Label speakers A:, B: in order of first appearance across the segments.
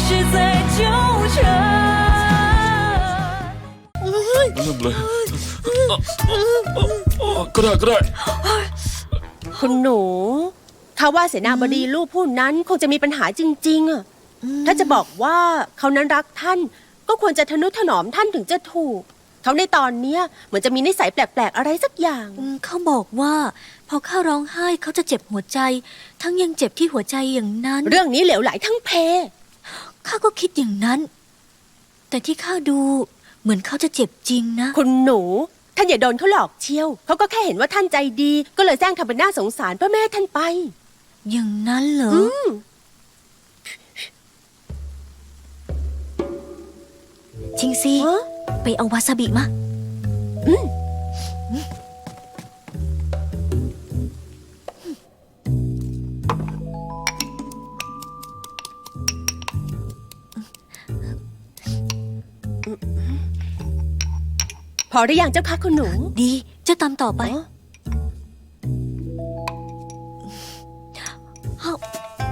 A: 是在纠缠。
B: เริ่มเลยก็ได้
C: คุณหนูข้าว่าเสนาบดีลูกผู้นั้นคงจะมีปัญหาจริงๆอะถ้าจะบอกว่าเขานั้นรักท่าน ก็ควรจะทนุถนอมท่านถึงจะถูก เขาในตอนเนี้ยเหมือนจะมีนิสัยแปลกๆอะไรสักอย่าง
D: เขาบอกว่าพอข้าร้องไห้เขาจะเจ็บหัวใจ ทั้งยังเจ็บที่หัวใจอย่างนั้น
C: เรื่องนี้เหลวไหลทั้งเพ
D: ข้าก็คิดอย่างนั้น แต่ที่ข้าดูเหมือนเขาจะเจ็บจริงนะ
C: คุณหนูท่านอย่าโดนเขาหลอกเชียวเขาก็แค่เห็นว่าท่านใจดี ก็เลยแซงทำเป็นน่าสงสารเพื่อแม่ให้ท่านไป
D: อย่างนั้นเหรอชิงซี
C: ฮะ
D: ไปเอาวาซาบิมา
C: พอหรือยังเจ้าคะคุณหนู
D: ดีเจ้าตามต่อไป
C: อ๋อ
D: เอ้า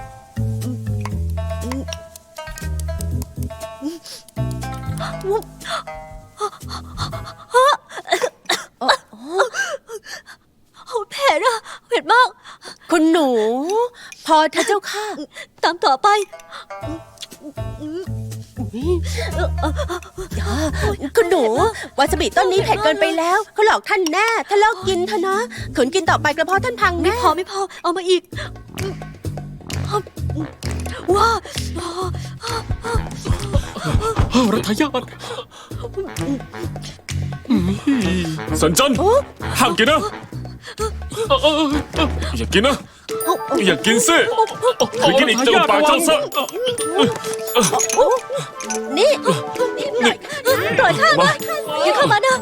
D: โอ้แผลอะเผ็ดมาก
C: คุณหนู พอเธอะเจ้าค่ะ
D: ตามต่อไป
C: คุณหนูวาซาบิต้นนี้เผ็ดเกินไปแล้วเขาหลอกท่านแน่ถ้าเลิกกินเถอะนะขืนกินต่อไปกระเพาะท่านพัง
D: ไม่
C: แน่
D: พอไม่พอ เอามาอีก ว้า
B: รัฐยาตสันจันห้ามกินนะอย่ากินนะอย่ากินสิคือกินอีกจะลำบากเจ้าซะ
C: นี่
D: ปล่อยข้านะอย่าเข้ามานะ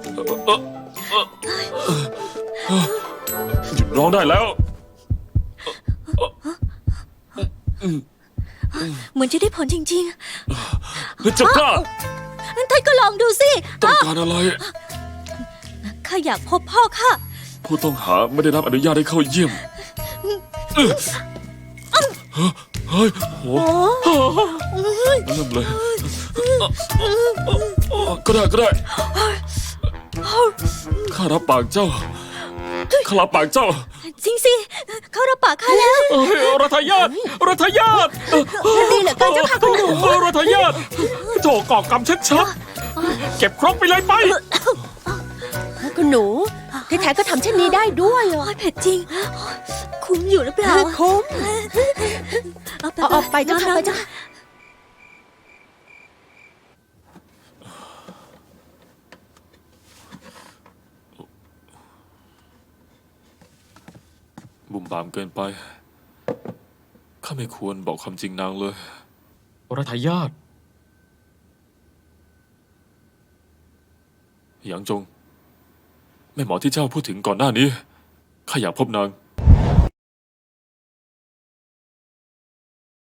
B: หยุดร้องได้แล้ว
D: เหมือนจะได้ผลจริง
B: แล้วเจ้ากล้า
D: ๆท่านก็ลองดูสิ
B: ต้องการอะไร
D: ข้าอยากพบพ่อข้า
B: ผู้ต้องหาไม่ได้รับอนุญาตให้เข้าเยี่ยมเฮ้ยโหเริ่มเลยก็ได้ข้ารับปากเจ้าข้ารับปากเจ้า
D: จริงสิ เขารับปากข้าแล้ว
B: รัฐยาต
C: ดีเหลือเกินเจ้าค่ะคุณหนู
B: รัฐยาตโถก่อกรรมชัดๆเก็บครกไปเลยไป
C: คุณหนูที่แท้ก็ทำเช่นนี้ได้ด้วยเหรอ
D: โอ้ยเผ็ดจริง คุ้มอยู่หรือเปล่า
C: คุ้ม เอาไปเจ้าค่ะ
D: น้ำ
C: ไปเจ้าค่ะ
B: บุ่มบามเกินไปข้าไม่ควรบอกความจริงนางเลย
E: รัฐยาต
B: หยางจงแม่หมอที่เจ้าพูดถึงก่อนหน้านี้ข้าอยากพบนาง